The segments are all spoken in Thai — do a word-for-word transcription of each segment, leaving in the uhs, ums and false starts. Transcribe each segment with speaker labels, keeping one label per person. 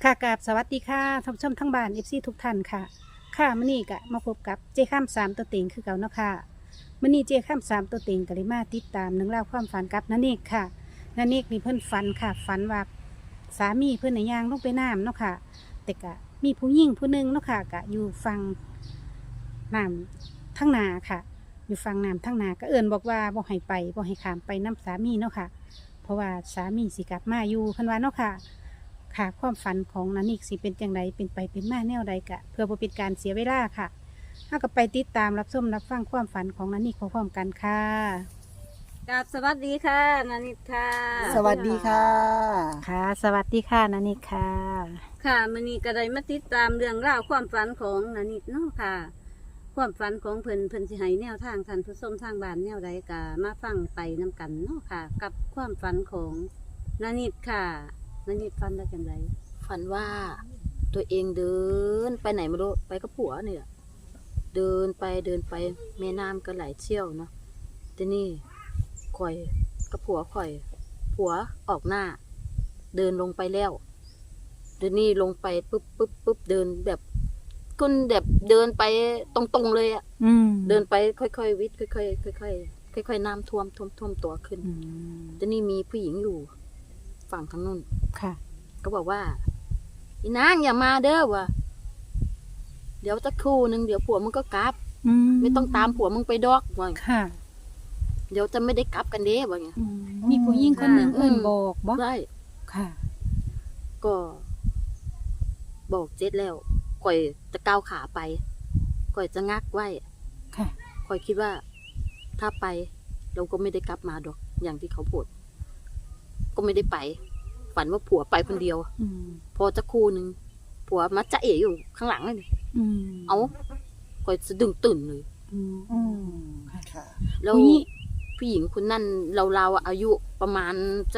Speaker 1: ค่ะกราบสวัสดีค่ะท่านผู้ชมทั้งบ้านเอฟซีทุกท่านค่ะค่ะมื้อนี้ก็มาพบกับเจ้ข้ามสามตัวเต็งคือเก่าเนาะค่ะมื้อนี้เจ้ข้ามสามตัวเต็งก็เลยมาติดตามหนึ่องเล่าวความฝันกับนันเอกค่ะนันเอกนี่เพิ่นฝันค่ะฝันว่าสามีเพิ่นน่ะย่างลงไปน้ำเนาะค่ะแต่ก็มีผู้หญิงผู้หนึงเนาะค่ะก็อยู่ฟังน้ำทั้งนาค่ะ อยู่ฟังน้ำทั้งนาก็เอิญบอกว่าบ่ให้ไปบ่ให้ขามไปน้ำสามีเนาะค่ะ เพราะว่าสามีสิกลับมาอยู่เพิ่นว่าเนาะค่ะ ค่ะความฝันของนันนิกสิเป็นจังไดเป็นไปเป็นมาแนวใดกะเพื่อบ่เป็นการเสียเวลาค่ะถ้าก็ไปติดตามรับชมรับฟังความฝันของนันนิกพร้อมๆกันค่ะ
Speaker 2: กับสวัสดีค่ะนานิดค่ะ
Speaker 3: สวัสดีค่ะ
Speaker 1: ค่ะ สวัสดีค่ะนันนิกค่ะ
Speaker 2: ค่ะมันนี้ก็ได้มาติดตามเรื่องราวความฝันของนานิดเนาะค่ะ ความฝันของเพิ่นเพิ่นสิให้แนวทางท่านผู้ชมทางบ้านแนวใดก็มาฟังไปนํกันเนาะค่ะ กับความฝันของนานิดค่ะนานิดฝันได้จังได
Speaker 4: ฝันว่าตัวเองเดินไปไหนไม่รู้ไปกับผัวเนี่ยเดินไปเดินไปแม่น้ำก็ไหลเชี่ยวเนาะทีนี่ข่อยกับผัวข่อย ผัวออกหน้า เดินลงไปแล้วเดินนี่ลงไปปุ๊บปุ๊บปุ๊บเดินแบบคุณแบบเดินไปตรงๆเลยอะ
Speaker 1: อืม
Speaker 4: เดินไปค่อยๆวิทย์ค่อยๆค่อยๆค่อยๆน้ำท่วมท่วมท่วมตัวขึ้น
Speaker 1: อืม
Speaker 4: ทีนี่มีผู้หญิงอยู่ฝั่งทางนู้น
Speaker 1: ค่ะ
Speaker 4: ก็บอกว่าอีนางอย่ามาเด้อวะเดี๋ยวจะครู่หนึ่งเดี๋ยวผัวมึงก็กลับ
Speaker 1: อืม
Speaker 4: ไม่ต้องตามผัวมึงไปดอกว่า
Speaker 1: ค่ะ
Speaker 4: เดี๋ยวจะไม่ได้กลับกันเด้ว่าไง
Speaker 1: อืมมีผู้หญิงคนหนึ่ง
Speaker 4: อืม
Speaker 1: เอิ้นบอกบ่
Speaker 4: ได้
Speaker 1: ค่ะ
Speaker 4: ก็บอกเจ็ดแล้วก่อยจะก้าวขาไปก่อยจะงักไว้
Speaker 1: ค่ะ
Speaker 4: ก่อยคิดว่า ถ้าไป เราก็ไม่ได้กลับมาดอก อย่างที่เขาพูดก็ไม่ได้ไป ฝันว่าผัวไปคนเดียว
Speaker 1: อืม
Speaker 4: พอจะครู่หนึ่งผัวมาจะเอ๋อยู่ข้างหลังเลย
Speaker 1: อืม
Speaker 4: เอาก่อยสะดึงตื่นเลย
Speaker 1: อืม
Speaker 3: อืมค่ะ
Speaker 4: แล้ว
Speaker 1: ผู้หญิง
Speaker 4: ผู้หญิงคนนั้นเราเราๆอายุประมาณจะ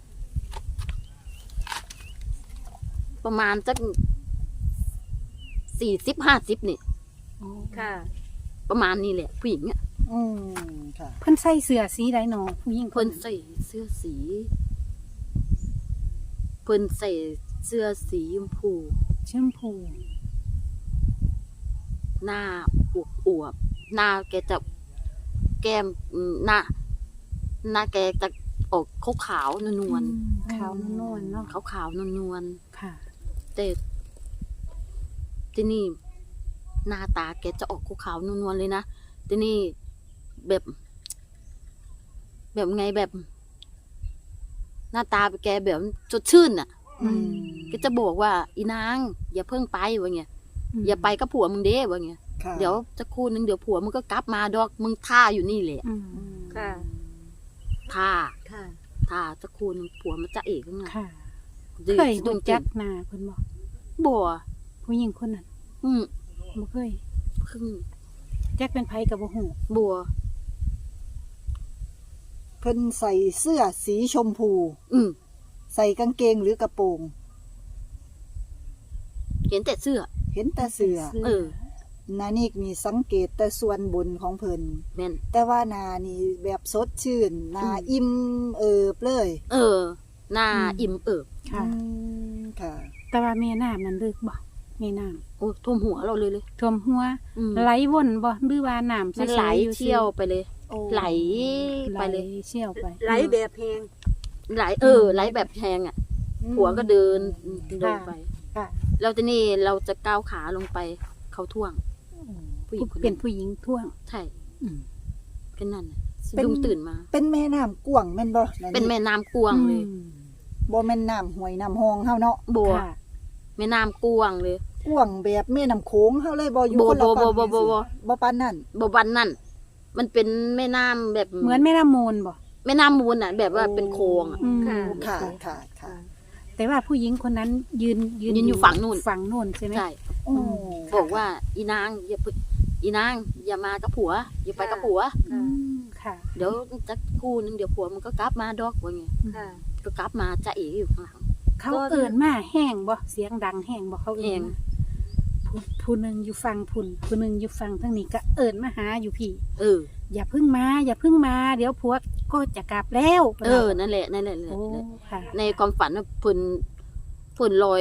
Speaker 4: ประมาณจะสี่สิบห้าสิบนี่
Speaker 1: อ๋อ
Speaker 2: ค่ะ
Speaker 4: ประมาณนี้แหละ ผู้หญิงอ่ะ
Speaker 3: อืมค่ะ
Speaker 1: เพิ่นใส่เสื้อสีใดหนอผู้หญิงค
Speaker 4: เพิ่
Speaker 1: น
Speaker 4: นใส่เสื้อสีเพิ่นใส่เสื้อสีชมพู
Speaker 1: ชมพู
Speaker 4: หน้าอวบอวบๆหน้าแกจะแก้มอืมหน้าหน้าแกจะออกขาวขาวๆนวล
Speaker 1: อืมขาวนวลๆเนาะ
Speaker 4: ขาวขาวๆนวล
Speaker 1: ค่ะ
Speaker 4: ๆแต่ที่นี่ หน้าตาแกจะออกขาวๆนวลๆเลยนะที่นี่แบบ แบบไงแบบ หน้าตาแกแบบสดชื่นอ่ะ
Speaker 1: อืม
Speaker 4: ก็จะบอกว่า อีนาง อย่าเพิ่งไปวะเงี้ยอย่าไปกับผัวมึงเด้วะเงี้ย
Speaker 3: ค่ะ
Speaker 4: เดี๋ยวจะคู่นึงเดี๋ยวผัวมึงก็กลับมาดอกมึงท่าอยู่นี่แหละ
Speaker 1: อืม
Speaker 2: ค่ะ
Speaker 4: ท่า
Speaker 2: ค่ะ
Speaker 4: ท่าจะคู่นึงผัวมันจะเอกข้างหน้า
Speaker 1: ค่ะ
Speaker 4: ดื้อ
Speaker 1: เคย
Speaker 4: ดุ้
Speaker 1: รู้
Speaker 4: ง
Speaker 1: จั
Speaker 4: จั
Speaker 1: ก
Speaker 4: ก
Speaker 1: หน้าเพิ่นบ่
Speaker 4: บัว
Speaker 1: ผู้หญิงคนนั้น
Speaker 4: อืม
Speaker 1: บ่เคย
Speaker 4: เพิ่ง
Speaker 1: จักเป็นไผก็บ่ฮู้
Speaker 4: บัว
Speaker 3: เพิ่นใส่เสื้อสีชมพู
Speaker 4: อืม
Speaker 3: ใส่กางเกงหรือกระโปรง
Speaker 4: เห็นแต่เสื้อ
Speaker 3: เห็นแต่เสื้อ
Speaker 4: เออ
Speaker 3: นานี่มีสังเกตแต่ส่วนบนของเพิ่น
Speaker 4: แม่น
Speaker 3: แต่ว่านานี่แบบสดชื่นนา
Speaker 4: อืม
Speaker 3: อิ่มเอิบเลย
Speaker 4: เออ หน้าอิ่มเอิบ
Speaker 1: ค่ะ
Speaker 3: อืมค่ะ
Speaker 1: แต่ว่าแม่น้ำนั้นลึกบ่แม่น้
Speaker 4: โอ้ท่วมหัวเราเลยเลย
Speaker 1: ำท่วมหัว
Speaker 4: อืม
Speaker 1: ไหลวนบ่หรือว่าน้ำ
Speaker 4: มันไหล
Speaker 1: ใสๆอยู่
Speaker 4: เชี่ยวไปเลย
Speaker 3: โอ้
Speaker 4: ไหล
Speaker 1: ไหล
Speaker 4: ไปเลย
Speaker 1: เชี่ยวไป
Speaker 2: ไหลแบบแหง
Speaker 4: ไหลเออ ไหลแบบแทงอ่ะ ผัวก็เดินเดินไป
Speaker 1: ค่ะ
Speaker 4: แล้วทีนี้เราจะก้าวขาลงไปเขาท่วง ผู้หญิงคน
Speaker 1: เป็
Speaker 4: นั้น น
Speaker 1: ผู้หญิงท่วง
Speaker 4: ใช่
Speaker 1: อืม
Speaker 4: แค่นั้นน่ะสะดุ้งตื่นมา
Speaker 3: เป็นแม่น้ำกว้างแม่นบ่า
Speaker 4: เป็นแม่น้ำกวางเลย
Speaker 1: อืม
Speaker 3: บ่แม่นน้ำห้วยน้ำหองเฮาเนาะ
Speaker 4: บัว
Speaker 1: ค่ะ
Speaker 4: แม่น้ำกวางเลย
Speaker 3: กว้างแบบแม่น้ำโขงเฮาเลยบ่อยู่
Speaker 4: บ่
Speaker 3: คนละ
Speaker 4: บ่
Speaker 3: ฝั่ง
Speaker 4: บ่บ่บ่บ่
Speaker 3: บ่ปานนั้น
Speaker 4: บวันนั่นมันเป็นแม่น้ำแบบ
Speaker 1: เหมือนแม่น้ำมูลบ่
Speaker 4: แม่น้ำมูลน่ะ แบบว่าเป็นโคลงอ่ะ
Speaker 1: อืม
Speaker 2: ค่ะ
Speaker 3: ค่ะค่ะค่ะ
Speaker 1: แต่ว่าผู้หญิงคนนั้นยืน
Speaker 4: ยืนอยู่ฝั่งนู่น
Speaker 1: ฝั่งนู่นใช่ไหม
Speaker 4: ใช่
Speaker 3: โอ้
Speaker 4: บอกว่า อีนางอย่าไปอีนางอย่ามากับผัว อย่าไปกับผัว
Speaker 1: อืมค่ะ
Speaker 4: เดี๋ยวจะคู่นึงเดี๋ยวผัวมันก็กลับมาดอกว่าไง
Speaker 2: ค่ะ
Speaker 4: ก็กลับมาจะเอ๋อยู่ข้างหลัง
Speaker 1: เขา
Speaker 2: ก็
Speaker 1: เอิ้นมาแห้งบ่เสียงดังแห้งบ่เขา
Speaker 4: แห้
Speaker 1: เอิ้น
Speaker 4: ง
Speaker 1: ผู้ผู้หนึงอยู่ฝั่งพุ่นผู้หนึงอยู่ฝั่งทางนี้ก็เอิ้นมาหาอยู่พี่
Speaker 4: เออ
Speaker 1: อย่าเพิ่งมา อย่าเพิ่งมา เดี๋ยวผัวก็จะกลับแล้ว
Speaker 4: เออ นั่นแหละ นั่นแหละนั่น
Speaker 1: โอ้
Speaker 4: แหละ
Speaker 1: ค่ะ
Speaker 4: ในความฝันน่ะเพิ่นเพิ่นลอย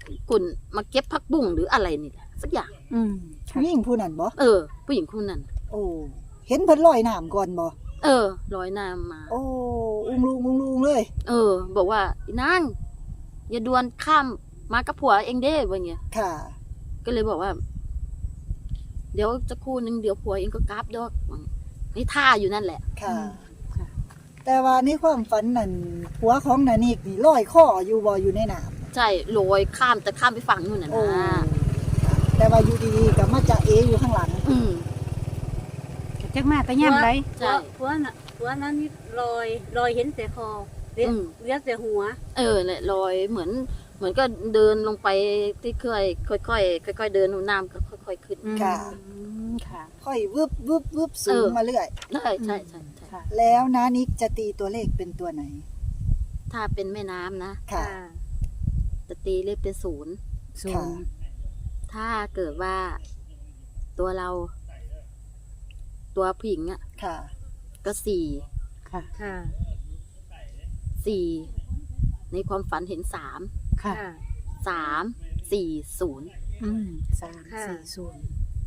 Speaker 4: กุนมาเก็บผักบุ้งหรืออะไรนี่แหละสักอย่าง
Speaker 1: อืมค่ะ
Speaker 3: ผู้หญิงผู้นั้นบ่
Speaker 4: เออ ผู้หญิงคนนั้น
Speaker 3: โอ้เห็นเพิ่นลอยน้ำก่อนบ่
Speaker 4: เออลอยน้ำมา
Speaker 3: โอ้อุ้งลุงอุ้งลุงเลย
Speaker 4: เออ บอกว่าอีนางอย่าดวนข้ามมากับผัวเองเด้ว่าเงี้ย
Speaker 3: ค่ะ
Speaker 4: ก็เลยบอกว่า เดี๋ยวจะครู่นึงเดี๋ยวผัวเองก็กราบดอกนี่ท่าอยู่นั่นแหละ
Speaker 3: ค่ะ
Speaker 1: อืมค่ะ
Speaker 3: แต่ว่าในความฝันนั่นผัวของนานิกนี่ลอยคออยู่บ่อยู่ในน้ำ
Speaker 4: ใช่ลอยข้ามแต่ข้ามไปฝั่งนู่นน่ะ
Speaker 3: โอ้
Speaker 4: นะ
Speaker 3: แต่ว่าอยู่ดีๆก็มาจะเออยู่ข้างหลัง
Speaker 4: อืม
Speaker 1: จักมาแต่ย่ำไร
Speaker 4: ใช่
Speaker 2: ผัวน่ะผัวนั้นนี่ลอยลอยเห็นแต่คอเลี้ย
Speaker 4: อืม
Speaker 2: เลี้ยแต่หัว
Speaker 4: เออเนี่ยลอยเหมือน เหมือนก็เดินลงไปที่ค่อยค่อยๆค่อยๆเดินน้ำก็ค่อยๆขึ้น
Speaker 3: ค่ะ
Speaker 1: อืมค่ะ
Speaker 3: ค่อยวึบวึบวึบสูง
Speaker 4: เออ
Speaker 3: มาเรื่อย
Speaker 4: ใช่ใช่ใช่ใช่
Speaker 1: ค่ะ
Speaker 3: แล้วนานิกจะตีตัวเลขเป็นตัวไหน
Speaker 4: ถ้าเป็นแม่น้ำนะ
Speaker 3: ค่ะ
Speaker 4: จะตีเลขเป็นศูนย์
Speaker 1: ศู
Speaker 3: ค่ะ
Speaker 1: นย์
Speaker 4: ถ้าเกิดว่าตัวเรา ตัวผู้หญิงอ่ะ
Speaker 3: ค่ะ
Speaker 4: ก็สี่
Speaker 1: ค่ะ
Speaker 2: ค่ะ
Speaker 4: สี่ในความฝันเห็นสาม
Speaker 1: ค่ะ
Speaker 2: ค่ะ
Speaker 4: สามสี่ศูนย์
Speaker 1: อืมสาม
Speaker 2: ค่ะ
Speaker 1: สี่ศูนย์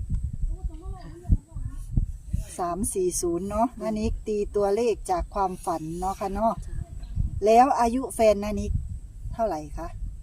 Speaker 3: สามสี่ศูนย์เนาะนานิกตีตัวเลขจากความฝันเนาะค่ะเนาะแล้วอายุแฟนนานิกเท่าไหร่คะ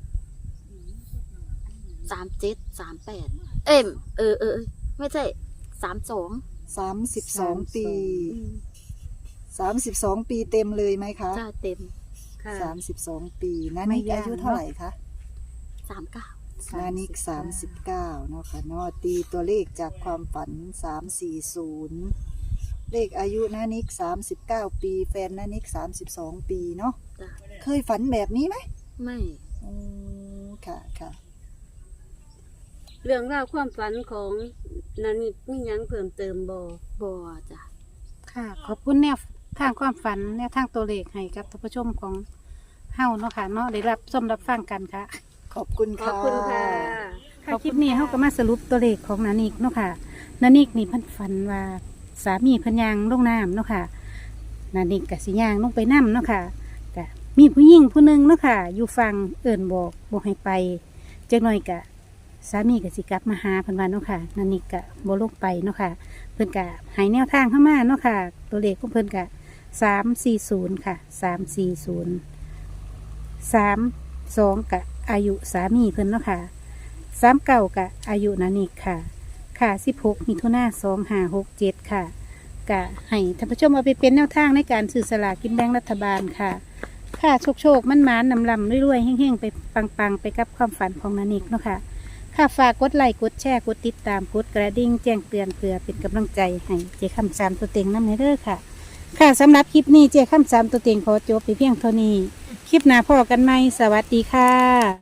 Speaker 4: สามเจ็ดสามแปดเอ็มเออเออเออไม่ใช่สามสอง
Speaker 3: สามสิบสองปีสามสิบสองปีเต็มเลยไหมคะ
Speaker 4: จ้าเต็ม
Speaker 2: ค่ะ
Speaker 3: สามสิบสองปีนานิกอายุเท่าไหร่คะ
Speaker 4: สามเก้า
Speaker 3: นานิกสามสิบเก้าเนาะค่ะเนาะตีตัวเลขจากความฝันสามสี่ศูนย์เลขอายุนานิกสามสิบเก้าปี แฟนนานิกสามสิบสองปีเนาะ
Speaker 4: จ้า
Speaker 3: เคยฝันแบบนี้ไหม
Speaker 4: ไม่
Speaker 3: อืมค่ะค่ะ
Speaker 2: เรื่องราวความฝันของนันนิดมีหยังเพิ่มเติมบ่
Speaker 4: บัวจ้ะ
Speaker 1: ค่ะ ขอบคุณแนวทางความฝันแนวทางตัวเลขให้กับท่านผู้ชมของเฮาเนาะค่ะเนาะได้รับชมรับฟังกันค่ะ
Speaker 3: ขอบคุณ
Speaker 2: ขอ
Speaker 3: ค่ะ
Speaker 2: บคุณค่ะ
Speaker 1: ค่ะคลิปนี้เขาก็มาสรุปตัวเลขของนานิกเนาะค่ะนานิกนี่เพันฝันว่าสามีเพันยางลงน้ำเนาะค่ะนานิกกับสิยางลงไปน้ำเนาะค่ะกะมีผู้หญิงผู้หนึ่งเนาะค่ะ อยู่ฟังเอิ่นบอกบอกให้ไปจักหน่อยกะสามีกับสิกลับมาหาเพันวันเนาะค่ะนานิกกะบลงไปเนาะค่ะ เพิ่นกะใหายแนวทางเข้ามาเนาะค่ะ ตัวเลขของเพิ่นกะสามสี่ศูนย์ค่ะสามสี่ศูนย์สามสองกะอายุสามีเพิ่นเนาะค่ะ สามเก่ากะอายุนานิกค่ะ ค่ะสิบหกมิถุนาสองห้าหกเจ็ดค่ะ กะให้ท่านผู้ชมเอาไปเป็นแนวทางในการสื่อสลากกินแบ่งรัฐบาลค่ะ ค่ะโชคโชคมันมานนำลำรวยๆเฮ้งๆ ไปปังๆ ไปกับความฝันของนานิกเนาะค่ะ ค่ะฝากกดไลค์กดแชร์กดติดตามกดกระดิ่งแจ้งเตือนเพื่อเป็นกำลังใจให้เจ้าคำสามตัวเต็งน้ำในเด้อค่ะ ค่ะสำหรับคลิปนี้เจ้าคำสามตัวเต็งขอจบไปเพียงเท่านี้ คลิปหน้าพอกันไหมสวัสดีค่ะ